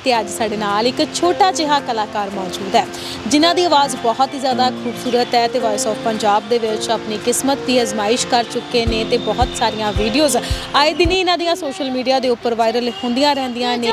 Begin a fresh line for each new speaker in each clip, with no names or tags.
ਤੇ ਅੱਜ ਸਾਡੇ ਨਾਲ ਇੱਕ ਛੋਟਾ ਜਿਹਾ ਕਲਾਕਾਰ ਮੌਜੂਦ ਹੈ ਜਿਨ੍ਹਾਂ ਦੀ ਆਵਾਜ਼ ਬਹੁਤ ਹੀ ਜ਼ਿਆਦਾ ਖੂਬਸੂਰਤ ਹੈ ਤੇ ਵੌਇਸ ਆਫ ਪੰਜਾਬ ਦੇ ਵਿੱਚ ਆਪਣੀ ਕਿਸਮਤ ਦੀ ਅਜ਼ਮਾਇਸ਼ ਕਰ ਚੁੱਕੇ ਨੇ ਤੇ ਬਹੁਤ ਸਾਰੀਆਂ ਵੀਡੀਓਜ਼ ਆਏ ਦਿਨ ਇਹਨਾਂ ਦੀਆਂ ਸੋਸ਼ਲ ਮੀਡੀਆ ਦੇ ਉੱਪਰ ਵਾਇਰਲ ਹੁੰਦੀਆਂ ਰਹਿੰਦੀਆਂ ਨੇ।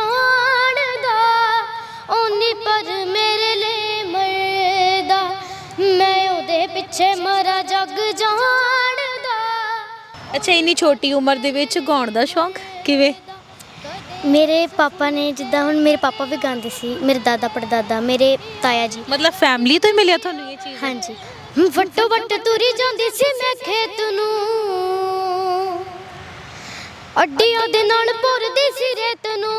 पर मेरे लिए मरदा मैं ओदे पिछे मरा जग जानदा।
अच्छा इन्नी छोटी उम्र दे विच गाउण दा शौक किवें?
मेरे पापा ने जिद्दां हुण मेरे पापा भी गांदे सी, मेरे दादा पड़दादा, मेरे ताया जी।
मतलब फैमिली तो ही मिलिया तुहानूं ये चीज़?
हाँ जी। वट्टो वट्ट तुरी जांदी सी मैं खेत नूं, अड्डियां दे नाल भुरदी सी रेत नूं।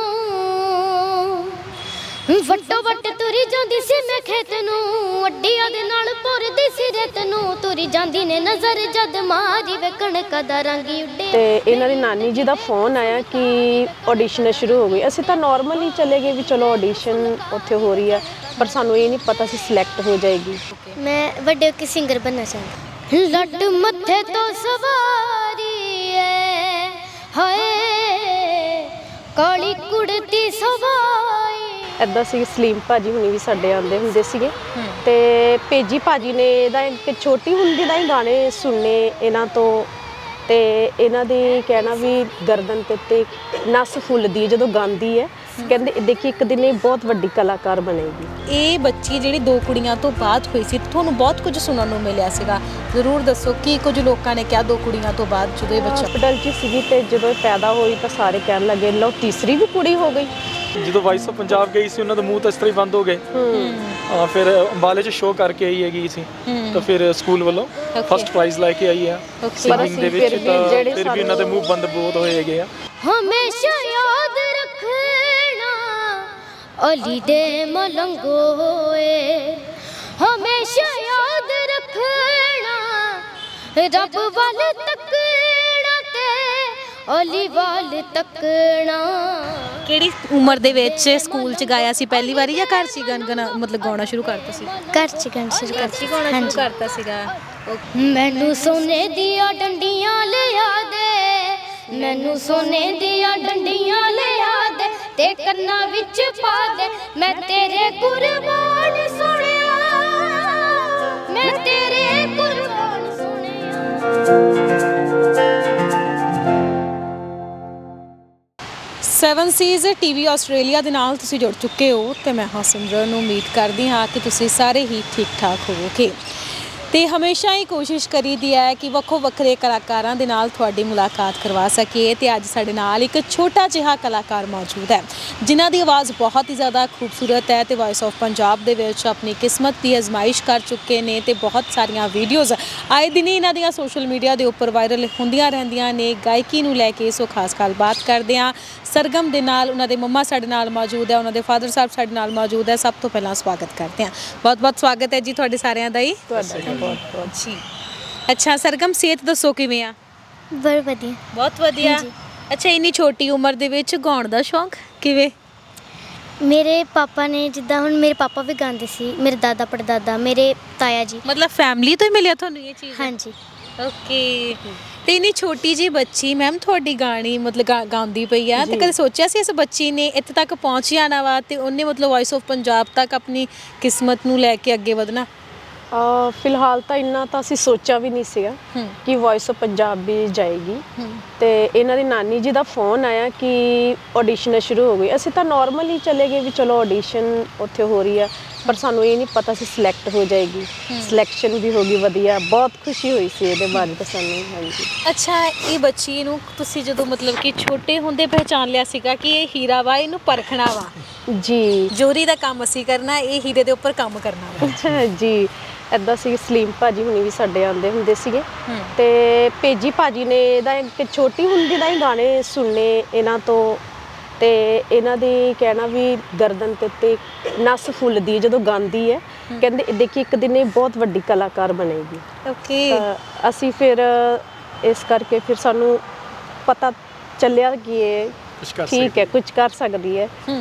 वट्टो वट्ट तुरी जांदी सी मैं खेत नूं, अड्डियां दे नाल भुरदी सी रेत नूं। तुरी जांदी ने नज़र जद मारी वे कणका दा रंग उड्डे।
ਤੇ ਇਹਨਾਂ ਦੀ ਨਾਨੀ ਜੀ ਦਾ ਫੋਨ ਆਇਆ ਕਿ ਆਡੀਸ਼ਨ ਸ਼ੁਰੂ ਹੋ ਗਈ। ਅਸੀਂ ਤਾਂ ਨਾਰਮਲੀ ਚਲੇ ਗਏ ਵੀ ਚਲੋ ਆਡੀਸ਼ਨ ਉੱਥੇ ਹੋ ਰਹੀ ਹੈ, ਪਰ ਸਾਨੂੰ ਇਹ ਨਹੀਂ ਪਤਾ ਸੀ ਸਿਲੈਕਟ ਹੋ ਜਾਏਗੀ।
मैं बड़े होके सिंगर बनना चाहती। लड्ड मत्थे तो सवारी है हाय काली कुड़ती सवाई।
ਇੱਦਾਂ ਸੀ ਸਲੀਮ ਭਾਜੀ ਹੁਣੀ ਵੀ ਸਾਡੇ ਆਉਂਦੇ ਹੁੰਦੇ ਸੀਗੇ ਤੇ ਭੇਜੀ ਭਾਜੀ ਨੇ ਇਹਦਾ ਇੱਕ ਛੋਟੀ ਹੁੰਦੀ ਦਾ ਹੀ ਗਾਣੇ ਸੁਣਨੇ ਇਹਨਾਂ ਤੋਂ ਤੇ ਇਹਨਾਂ ਦੇ ਕਹਿਣਾ ਵੀ ਗਰਦਨ ਤੇ ਉੱਤੇ ਨਸ ਫੁੱਲਦੀ ਜਦੋਂ ਗਾਉਂਦੀ ਹੈ। ਕਹਿੰਦੇ ਦੇਖੀ ਇੱਕ ਦਿਨ ਇਹ ਬਹੁਤ ਵੱਡੀ ਕਲਾਕਾਰ ਬਣੇਗੀ।
ਇਹ ਬੱਚੀ ਜਿਹੜੀ ਦੋ ਕੁੜੀਆਂ ਤੋਂ ਬਾਅਦ ਹੋਈ ਸੀ ਤੁਹਾਨੂੰ ਬਹੁਤ ਕੁਝ ਸੁਣਨ ਨੂੰ ਮਿਲਿਆ ਸੀਗਾ, ਜ਼ਰੂਰ ਦੱਸੋ ਕੀ ਕੁਝ ਲੋਕਾਂ ਨੇ ਕਿਹਾ ਦੋ ਕੁੜੀਆਂ ਤੋਂ ਬਾਅਦ ਜਦੋਂ ਇਹ ਬੱਚਾ
ਹਸਪੀਟਲ 'ਚ ਸੀਗੀ ਤੇ ਜਦੋਂ ਇਹ ਪੈਦਾ ਹੋਈ ਤਾਂ ਸਾਰੇ ਕਹਿਣ ਲੱਗੇ ਲਓ ਤੀਸਰੀ ਵੀ ਕੁੜੀ ਹੋ ਗਈ।
ਜਦੋਂ ਵਾਇਸ ਆਫ ਪੰਜਾਬ ਗਈ ਸੀ ਉਹਨਾਂ ਦੇ ਮੂੰਹ ਤਾਂ ਇਸ ਤਰ੍ਹਾਂ ਹੀ ਬੰਦ ਹੋ ਗਏ। ਫਿਰ ਅੰਬਾਲੇ 'ਚ ਸ਼ੋਅ ਕਰਕੇ ਆਈ ਹੈਗੀ ਸੀ ਤਾਂ ਫਿਰ ਸਕੂਲ ਵੱਲੋਂ ਫਸਟ ਪ੍ਰਾਈਜ਼ ਲੈ ਕੇ ਆਈ ਆ ਸਿੰਗਿੰਗ ਦੇ ਵਿੱਚ। ਤਾਂ ਫਿਰ ਵੀ ਉਹਨਾਂ ਦੇ ਮੂੰਹ ਬੰਦ ਬਹੁਤ ਹੋਏ ਹੈਗੇ ਆ।
हमेशा याद रखना अली दे मलंगो होए, हमेशा याद रखना रब वाल तकना ते अली वाल तकना।
ਕਿਹੜੀ ਉਮਰ ਦੇ ਵਿੱਚ ਸਕੂਲ 'ਚ ਗਾਇਆ ਸੀ ਪਹਿਲੀ ਵਾਰੀ ਜਾਂ ਘਰ 'ਚ ਗਾਣਾ ਮਤਲਬ ਗਾਉਣਾ ਸ਼ੁਰੂ ਕਰਤਾ ਸੀ?
घर च गाना शुरू करती।
ਗਾਉਣਾ ਸ਼ੁਰੂ ਕਰਤਾ ਸੀਗਾ।
मैनू सोने दिया डंडियां लिया दे, मैनू सोने दिया डंडियां लिया दे ते कन्ना विच पा दे मैं तेरे कुर्बान सोनिया, मैं तेरे कुर्बान सोनिया।
7 ਸੀਜ਼ ਟੀਵੀ ਆਸਟ੍ਰੇਲੀਆ ਦੇ ਨਾਲ ਤੁਸੀਂ ਜੁੜ ਚੁੱਕੇ ਹੋ ਤੇ ਮੈਂ ਹਾਂ ਸਿਮਰਨ। ਉਮੀਦ ਕਰਦੀ ਹਾਂ ਕਿ ਤੁਸੀਂ ਸਾਰੇ ਹੀ ਠੀਕ ਠਾਕ ਹੋਵੋਗੇ ਤੇ ਹਮੇਸ਼ਾ ਹੀ ਕੋਸ਼ਿਸ਼ ਕਰੀਦੀ ਹੈ ਕਿ ਵੱਖੋ ਵੱਖਰੇ ਕਲਾਕਾਰਾਂ ਦੇ ਨਾਲ ਤੁਹਾਡੀ ਮੁਲਾਕਾਤ ਕਰਵਾ ਸਕੀਏ ਤੇ ਅੱਜ ਸਾਡੇ ਨਾਲ ਇੱਕ ਛੋਟਾ ਜਿਹਾ ਕਲਾਕਾਰ ਮੌਜੂਦ ਹੈ ਜਿਨ੍ਹਾਂ ਦੀ ਆਵਾਜ਼ ਬਹੁਤ ਹੀ ਜ਼ਿਆਦਾ ਖੂਬਸੂਰਤ ਹੈ ਤੇ ਵੌਇਸ ਆਫ ਪੰਜਾਬ ਦੇ ਵਿੱਚ ਆਪਣੀ ਕਿਸਮਤ ਦੀ ਅਜ਼ਮਾਇਸ਼ ਕਰ ਚੁੱਕੇ ਨੇ ਤੇ ਬਹੁਤ ਸਾਰੀਆਂ ਵੀਡੀਓਜ਼ ਆਏ ਦਿਨ ਇਹਨਾਂ ਦੀਆਂ ਸੋਸ਼ਲ ਮੀਡੀਆ ਦੇ ਉੱਪਰ ਵਾਇਰਲ ਹੁੰਦੀਆਂ ਰਹਿੰਦੀਆਂ ਨੇ। ਗਾਇਕੀ ਨੂੰ ਲੈ ਕੇ ਸੋ ਖਾਸ ਗੱਲਬਾਤ ਕਰਦੇ ਹਾਂ ਸਰਗਮ ਦੇ ਨਾਲ। ਉਹਨਾਂ ਦੇ ਮੰਮਾ ਸਾਡੇ ਨਾਲ ਮੌਜੂਦ ਹੈ, ਉਹਨਾਂ ਦੇ ਫਾਦਰ ਸਾਹਿਬ ਸਾਡੇ ਨਾਲ ਮੌਜੂਦ ਹੈ। ਸਭ ਤੋਂ ਪਹਿਲਾਂ ਸਵਾਗਤ ਕਰਦੇ ਹਾਂ, ਬਹੁਤ ਬਹੁਤ ਸਵਾਗਤ ਹੈ ਜੀ ਤੁਹਾਡੇ ਸਾਰਿਆਂ ਦਾ ਹੀ। ਜੀ ਅੱਛਾ ਸਰਗਮ ਸਿਹਤ ਦੱਸੋ ਕਿਵੇਂ ਆ?
बहुत वधिया।
ਬਹੁਤ ਵਧੀਆ। ਅੱਛਾ ਇੰਨੀ ਛੋਟੀ ਉਮਰ ਦੇ ਵਿੱਚ ਗਾਉਣ ਦਾ ਸ਼ੌਕ ਕਿਵੇਂ?
मेरे पापा ने जिद्दां हुण मेरे पापा भी गांदे सी, मेरे दादा पड़दादा, मेरे ताया जी।
ਮਤਲਬ ਫੈਮਿਲੀ ਤੋਂ ਹੀ ਮਿਲਿਆ ਤੁਹਾਨੂੰ ਇਹ ਚੀਜ਼?
हाँ जी।
ਓਕੇ। ਤੇ ਇੰਨੀ ਛੋਟੀ ਜੀ ਬੱਚੀ ਮੈਮ ਤੁਹਾਡੀ ਗਾਣੀ ਮਤਲਬ ਗਾਉਂਦੀ ਪਈ ਆ ਤੇ ਕਦੇ ਸੋਚਿਆ ਸੀ ਇਸ ਬੱਚੀ ਨੇ ਇੱਥੇ ਤੱਕ ਪਹੁੰਚ ਜਾਣਾ ਵਾ ਤੇ ਉਹਨੇ ਮਤਲਬ ਵੌਇਸ ਆਫ ਪੰਜਾਬ ਤੱਕ ਆਪਣੀ ਕਿਸਮਤ ਨੂੰ ਲੈ ਕੇ ਅੱਗੇ ਵਧਣਾ?
ਫਿਲਹਾਲ ਤਾਂ ਇੰਨਾ ਤਾਂ ਅਸੀਂ ਸੋਚਿਆ ਵੀ ਨਹੀਂ ਸੀਗਾ ਕਿ ਵੌਇਸ ਆਫ ਪੰਜਾਬ ਵੀ ਜਾਏਗੀ। ਤੇ ਇਹਨਾਂ ਦੀ ਨਾਨੀ ਜੀ ਦਾ ਫੋਨ ਆਇਆ ਕਿ ਆਡੀਸ਼ਨ ਸ਼ੁਰੂ ਹੋ ਗਈ। ਅਸੀਂ ਤਾਂ ਨਾਰਮਲੀ ਚਲੇ ਗਏ ਵੀ ਚਲੋ ਆਡੀਸ਼ਨ ਉੱਥੇ ਹੋ ਰਹੀ ਹੈ, ਪਰ ਸਾਨੂੰ ਇਹ ਨਹੀਂ ਪਤਾ ਸੀ ਸਿਲੈਕਟ ਹੋ ਜਾਏਗੀ। ਸਿਲੈਕਸ਼ਨ ਵੀ ਹੋ ਗਈ, ਵਧੀਆ, ਬਹੁਤ ਖੁਸ਼ੀ ਹੋਈ ਸੀ ਇਹਦੇ ਬਾਰੇ ਤਾਂ ਸਾਨੂੰ। ਹਾਂਜੀ।
ਅੱਛਾ ਇਹ ਬੱਚੀ ਨੂੰ ਤੁਸੀਂ ਜਦੋਂ ਮਤਲਬ ਕਿ ਛੋਟੇ ਹੁੰਦੇ ਪਹਿਚਾਨ ਲਿਆ ਸੀਗਾ ਕਿ ਇਹ ਹੀਰਾ ਵਾ, ਇਹਨੂੰ ਪਰਖਣਾ ਵਾ
ਜੀ,
ਜੋਰੀ ਦਾ ਕੰਮ ਅਸੀਂ ਕਰਨਾ, ਇਹ ਹੀਰੇ ਦੇ ਉੱਪਰ ਕੰਮ ਕਰਨਾ ਵਾ
ਜੀ। ਇੱਦਾਂ ਸੀ ਸਲੀਮ ਭਾਜੀ ਹੁਣੀ ਵੀ ਸਾਡੇ ਆਉਂਦੇ ਹੁੰਦੇ ਸੀਗੇ ਤੇ ਭੇਜੀ ਭਾਜੀ ਨੇ ਇਹਦਾ ਇੱਕ ਛੋਟੀ ਹੁੰਦੀ ਦਾ ਹੀ ਗਾਣੇ ਸੁਣਨੇ ਇਹਨਾਂ ਤੋਂ ਤੇ ਇਹਨਾਂ ਦੇ ਕਹਿਣਾ ਵੀ ਗਰਦਨ ਤੇ ਉੱਤੇ ਨਸ ਫੁੱਲਦੀ ਜਦੋਂ ਗਾਉਂਦੀ ਹੈ। ਕਹਿੰਦੇ ਦੇਖੀ ਇੱਕ ਦਿਨ ਇਹ ਬਹੁਤ ਵੱਡੀ ਕਲਾਕਾਰ ਬਣੇਗੀ।
ਓਕੇ।
ਅਸੀਂ ਫਿਰ ਇਸ ਕਰਕੇ ਫਿਰ ਸਾਨੂੰ ਪਤਾ ਚੱਲਿਆ ਕਿ ਇਹ ਠੀਕ ਹੈ, ਕੁਝ ਕਰ ਸਕਦੀ ਹੈ।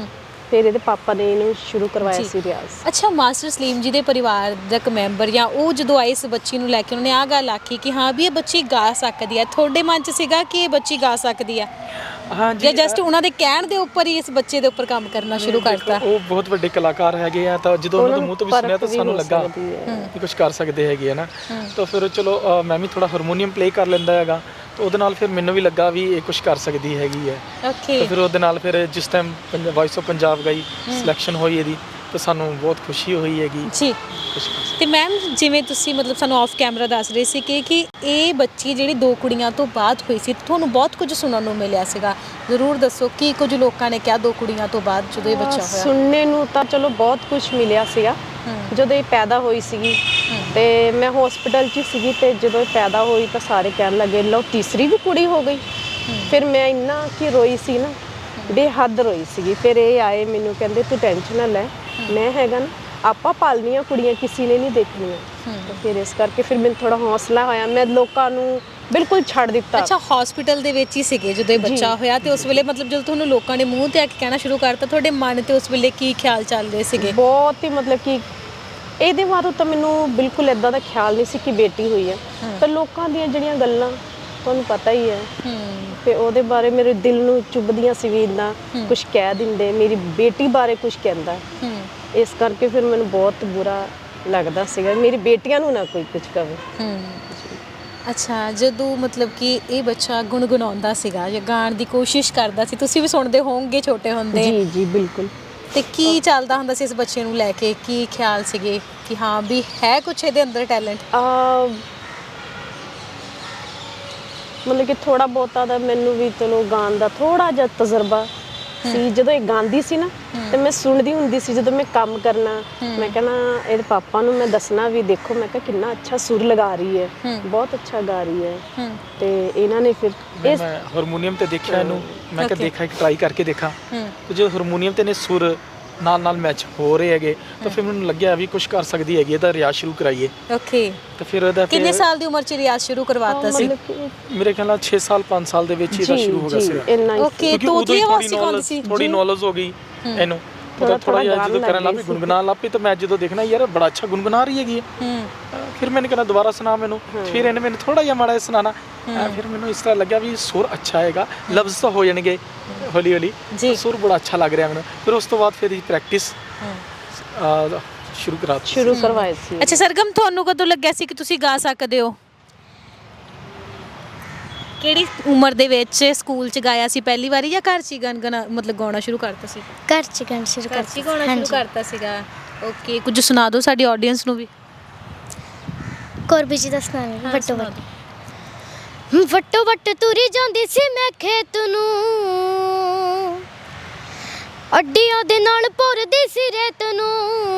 ਫਿਰ ਇਹਦੇ ਪਾਪਾ ਨੇ ਇਹਨੂੰ ਸ਼ੁਰੂ ਕਰਵਾਇਆ
ਜੀ।
ਸੀ ਰਿਆਜ਼।
ਅੱਛਾ, ਮਾਸਟਰ ਸਲੀਮ ਜੀ ਦੇ ਪਰਿਵਾਰ ਦਾ ਇੱਕ ਮੈਂਬਰ ਜਾਂ ਉਹ ਜਦੋਂ ਆਏ ਇਸ ਬੱਚੀ ਨੂੰ ਲੈ ਕੇ, ਉਹਨਾਂ ਨੇ ਆਹ ਗੱਲ ਆਖੀ ਕਿ ਹਾਂ ਵੀ ਇਹ ਬੱਚੀ ਗਾ ਸਕਦੀ ਹੈ, ਤੁਹਾਡੇ ਮਨ 'ਚ ਸੀਗਾ ਕਿ ਇਹ ਬੱਚੀ ਗਾ ਸਕਦੀ ਆ,
ਹਾਂਜੀ
ਜਾਂ ਜਸਟ ਉਹਨਾਂ ਦੇ ਕਹਿਣ ਦੇ ਉੱਪਰ ਹੀ ਇਸ ਬੱਚੇ ਦੇ ਉੱਪਰ ਕੰਮ ਕਰਨਾ ਸ਼ੁਰੂ ਕਰਤਾ?
ਉਹ ਬਹੁਤ ਵੱਡੇ ਕਲਾਕਾਰ ਹੈਗੇ ਆ, ਤਾਂ ਜਦੋਂ ਉਹਨਾਂ ਦੇ ਮੂੰਹ ਤੋਂ ਵੀ ਸੁਣਿਆ ਤਾਂ ਸਾਨੂੰ ਲੱਗਾ ਕਿ ਕੁਝ ਕਰ ਸਕਦੇ ਹੈਗੇ ਆ ਨਾ। ਤਾਂ ਫਿਰ ਚਲੋ ਮੈਂ ਵੀ ਥੋੜਾ ਹਾਰਮੋਨੀਅਮ ਪਲੇ ਕਰ ਲੈਂਦਾ ਹੈਗਾ, ਤਾਂ ਉਹਦੇ ਨਾਲ ਫਿਰ ਮੈਨੂੰ ਵੀ ਲੱਗਾ ਵੀ ਇਹ ਕੁਝ ਕਰ ਸਕਦੀ ਹੈਗੀ ਹੈ।
ਓਕੇ।
ਤਾਂ ਫਿਰ ਉਹਦੇ ਨਾਲ ਫਿਰ ਜਿਸ ਟਾਈਮ ਵੌਇਸ ਆਫ ਪੰਜਾਬ ਗਈ, ਸਿਲੈਕਸ਼ਨ ਹੋਈ ਇਹਦੀ, ਤਾਂ ਸਾਨੂੰ ਬਹੁਤ ਖੁਸ਼ੀ ਹੋਈ ਹੈਗੀ।
ਜੀ। ਤੇ ਮੈਮ, ਜਿਵੇਂ ਤੁਸੀਂ ਮਤਲਬ ਸਾਨੂੰ ਆਫ ਕੈਮਰਾ ਦੱਸ ਰਹੇ ਸੀ ਕਿ ਇਹ ਬੱਚੀ ਜਿਹੜੀ 2 ਕੁੜੀਆਂ ਤੋਂ ਬਾਅਦ ਹੋਈ ਸੀ, ਤੁਹਾਨੂੰ ਬਹੁਤ ਕੁਝ ਸੁਣਨ ਨੂੰ ਮਿਲਿਆ ਸੀਗਾ, ਜ਼ਰੂਰ ਦੱਸੋ ਕੀ ਕੁਝ ਲੋਕਾਂ ਨੇ ਕਿਹਾ 2 ਕੁੜੀਆਂ ਤੋਂ ਬਾਅਦ ਜਦੋਂ ਇਹ ਬੱਚਾ ਹੋਇਆ?
ਸੁਣਨੇ ਨੂੰ ਤਾਂ ਚਲੋ ਬਹੁਤ ਕੁਝ ਮਿਲਿਆ ਸੀਗਾ। ਜਦੋਂ ਇਹ ਪੈਦਾ ਹੋਈ ਸੀਗੀ ਤੇ ਮੈਂ ਹਸਪੀਟਲ 'ਚ ਸੀਗੀ, ਤੇ ਜਦੋਂ ਇਹ ਪੈਦਾ ਹੋਈ ਤਾਂ ਸਾਰੇ ਕਹਿਣ ਲੱਗੇ ਲਓ ਤੀਸਰੀ ਵੀ ਕੁੜੀ ਹੋ ਗਈ। ਫਿਰ ਮੈਂ ਇੰਨਾ ਕਿ ਰੋਈ ਸੀ ਨਾ, ਬੇਹੱਦ ਰੋਈ ਸੀਗੀ। ਫਿਰ ਇਹ ਆਏ ਮੈਨੂੰ ਕਹਿੰਦੇ ਤੂੰ ਟੈਨਸ਼ਨ ਨਾ ਲੈ, ਮੈਂ ਹੈਗਾ ਨਾ, ਆਪਾਂ ਪਾਲਣੀਆਂ ਕੁੜੀਆਂ, ਕਿਸੇ ਨੇ ਨਹੀਂ ਦੇਖਣੀਆਂ। ਤਾਂ ਫਿਰ ਇਸ ਕਰਕੇ ਫਿਰ ਮੈਨੂੰ ਥੋੜਾ ਹੌਸਲਾ ਹੋਇਆ, ਮੈਂ ਲੋਕਾਂ ਨੂੰ ਬਿਲਕੁਲ ਛੱਡ ਦਿੱਤਾ।
ਅੱਛਾ, ਹਸਪੀਟਲ ਦੇ ਵਿੱਚ ਹੀ ਸੀਗੇ ਜਦੋਂ ਇਹ ਬੱਚਾ ਹੋਇਆ, ਤੇ ਉਸ ਵੇਲੇ ਮਤਲਬ ਜਦੋਂ ਤੁਹਾਨੂੰ ਲੋਕਾਂ ਨੇ ਮੂੰਹ ਤੇ ਆ ਕੇ ਕਹਿਣਾ ਸ਼ੁਰੂ ਕਰਤਾ, ਤੁਹਾਡੇ ਮਨ ਤੇ ਉਸ ਵੇਲੇ ਕੀ ਖਿਆਲ ਚੱਲ ਰਹੇ ਸੀਗੇ?
ਬਹੁਤ ਹੀ ਮਤਲਬ ਕਿ ਇਹਦੇ ਬਾਰੇ ਤਾਂ ਮੈਨੂੰ ਬਿਲਕੁਲ ਇਦਾਂ ਦਾ ਖਿਆਲ ਨਹੀਂ ਸੀ ਕਿ ਬੇਟੀ ਹੋਈ ਹੈ, ਪਰ ਲੋਕਾਂ ਦੀਆਂ ਜਿਹੜੀਆਂ ਗੱਲਾਂ ਤੁਹਾਨੂੰ ਪਤਾ ਹੀ ਹੈ, ਤੇ ਉਹਦੇ ਬਾਰੇ ਮੇਰੇ ਦਿਲ ਨੂੰ ਚੁੱਭਦੀਆਂ ਸੀ ਵੀ ਇੰਨਾ ਕੁਝ ਕਹਿ ਦਿੰਦੇ, ਮੇਰੀ ਬੇਟੀ ਬਾਰੇ ਕੁਝ ਕਹਿੰਦਾ। ਇਸ ਕਰਕੇ ਫਿਰ ਮੈਨੂੰ ਬਹੁਤ ਬੁਰਾ ਲੱਗਦਾ ਸੀਗਾ ਮੇਰੀ ਬੇਟੀਆਂ ਨੂੰ ਨਾ ਕੋਈ ਕੁਝ ਕਵੇ।
ਅੱਛਾ, ਜਦੋਂ ਮਤਲਬ ਕਿ ਇਹ ਬੱਚਾ ਗੁਣਗੁਣਾਉਂਦਾ ਸੀਗਾ ਜਾਂ ਗਾਣ ਦੀ ਕੋਸ਼ਿਸ਼ ਕਰਦਾ ਸੀ, ਤੁਸੀਂ ਵੀ ਸੁਣਦੇ ਹੋਵੋਗੇ ਛੋਟੇ ਹੁੰਦੇ?
ਜੀ ਜੀ ਬਿਲਕੁਲ।
ਤੇ ਕੀ ਚੱਲਦਾ ਹੁੰਦਾ ਸੀ ਇਸ ਬੱਚੇ ਨੂੰ ਲੈ ਕੇ, ਕੀ ਖਿਆਲ ਸੀਗੇ ਕਿ ਹਾਂ ਵੀ ਹੈ ਕੁਛ ਇਹਦੇ ਅੰਦਰ ਟੈਲੈਂਟ?
ਮਤਲਬ ਕਿ ਥੋੜਾ ਬਹੁਤਾ ਦਾ ਮੈਨੂੰ ਵੀ ਚਲੋ ਗਾਣ ਦਾ ਥੋੜਾ ਜਿਹਾ ਤਜਰਬਾ ਸੀ। ਜਦੋਂ ਇਹ ਗਾਉਂਦੀ ਸੀ ਨਾ, ਤੇ ਮੈਂ ਸੁਣਦੀ ਹੁੰਦੀ ਸੀ ਜਦੋਂ ਮੈਂ ਕੰਮ ਕਰਨਾ, ਮੈਂ ਕਹਿਣਾ ਇਹਦੇ ਪਾਪਾ ਨੂੰ ਮੈਂ ਦੱਸਣਾ ਵੀ ਦੇਖੋ, ਮੈਂ ਕਿਹਾ ਕਿੰਨਾ ਅੱਛਾ ਸੁਰ ਲਗਾ ਰਹੀ ਹੈ, ਬਹੁਤ ਅੱਛਾ ਗਾ ਰਹੀ ਹੈ। ਤੇ ਇਹਨਾਂ ਨੇ ਫਿਰ
ਮੈਂ ਹਾਰਮੋਨੀਅਮ ਤੇ ਦੇਖਿਆ ਇਹਨੂੰ, ਮੈਂ ਕਿਹਾ ਦੇਖਾਂ ਕਿ ਟਰਾਈ ਕਰਕੇ ਦੇਖਾਂ, ਤੇ ਜਦੋਂ ਹਾਰਮੋਨੀਅਮ ਤੇ ਨੇ ਸੁਰ ਨਾਲ ਮੈਚ ਹੋ ਰਹੇ ਹੈਗੇ, ਤਾਂ ਫਿਰ ਮੈਨੂੰ ਲੱਗਿਆ ਵੀ ਕੁਝ ਕਰ ਸਕਦੀ ਹੈਗੀ, ਇਹਦਾ ਰਿਆਜ਼ ਸ਼ੁਰੂ ਕਰਾਈਏ।
ਓਕੇ।
ਤਾਂ ਫਿਰ ਉਹਦਾ
ਕਿੰਨੇ ਸਾਲ ਦੀ ਉਮਰ 'ਚ ਰਿਆਜ਼ ਸ਼ੁਰੂ ਕਰਵਾਤਾ ਸੀ?
ਮੇਰੇ ਖਿਆਲ ਨਾਲ 6 ਸਾਲ 5 ਸਾਲ ਦੇ ਵਿੱਚ ਇਹਦਾ ਸ਼ੁਰੂ ਹੋ ਗਿਆ ਸੀ।
ਓਕੇ, ਤੋਂ ਉਦੋਂ ਹੀ ਆਵਾਜ਼ ਸਿਖਾਉਂਦੀ ਸੀ?
ਥੋੜੀ ਨੌਲੇਜ ਹੋ ਗਈ ਇਹਨੂੰ, ਥੋੜਾ ਜਿਹਾ ਜਦੋਂ ਕਰਨ ਲੱਗ ਪਈ, ਗੁੰਗੁਨਾਉਣ ਲੱਗ ਪਈ, ਤਾਂ ਮੈਂ ਜਦੋਂ ਦੇਖਣਾ ਯਾਰ ਬੜਾ ਅੱਛਾ ਗੁੰਗੁਨਾ ਰਹੀ ਹੈਗੀ ਹੈ, ਫਿਰ ਮੈंने कहना ਦੁਬਾਰਾ ਸੁਣਾ ਮੈਨੂੰ, ਫਿਰ ਇਹਨੇ ਮੈਨੂੰ ਥੋੜਾ ਜਿਹਾ ਮਾੜਾ ਜਿਹਾ ਸੁਣਾਣਾ, ਫਿਰ ਮੈਨੂੰ ਇਸ ਤਰ੍ਹਾਂ ਲੱਗਿਆ ਵੀ ਸੁਰ ਅੱਛਾ ਹੈਗਾ, ਲਫ਼ਜ਼ ਤਾਂ ਹੋ ਜਾਣਗੇ ਹੌਲੀ ਹੌਲੀ, ਸੁਰ ਬੜਾ ਅੱਛਾ ਲੱਗ ਰਿਹਾ ਮੈਨੂੰ। ਫਿਰ ਉਸ ਤੋਂ ਬਾਅਦ ਫਿਰ ਇਹ ਪ੍ਰੈਕਟਿਸ ਸ਼ੁਰੂ
ਕਰਵਾਈ ਸੀ।
ਅੱਛਾ ਸਰਗਮ, ਤੁਹਾਨੂੰ ਕਦੋਂ ਲੱਗਿਆ ਸੀ ਕਿ ਤੁਸੀਂ ਗਾ ਸਕਦੇ ਹੋ? ਕਿਹੜੀ ਉਮਰ ਦੇ ਵਿੱਚ ਸਕੂਲ 'ਚ ਗਾਇਆ ਸੀ ਪਹਿਲੀ ਵਾਰੀ, ਜਾਂ ਘਰ 'ਚ ਹੀ ਮਤਲਬ ਗਾਉਣਾ ਸ਼ੁਰੂ ਕਰਤਾ ਸੀ?
ਘਰ 'ਚ ਗਾਣਾ ਸ਼ੁਰੂ
ਘਰ 'ਚ ਹੀ ਗਾਉਣਾ ਸ਼ੁਰੂ ਕਰਤਾ ਸੀਗਾ। ਓਕੇ, ਕੁਝ ਸੁਣਾ ਦਿਓ ਸਾਡੀ ਆਡੀਅנס ਨੂੰ ਵੀ।
ਕੋਰਬੀ ਜੀ ਦਾ ਸੁਣਾਣਾ ਵੱਟੋ ਵੱਟ। ਵੱਟੋ ਵੱਟ ਤੁਰੀ ਜਾਂਦੀ ਸੀ ਮੈਂ ਖੇਤ ਨੂੰ, ਅੱਡੀਆਂ ਦੇ ਨਾਲ ਭੁਰਦੀ ਸੀ ਰੇਤ ਨੂੰ।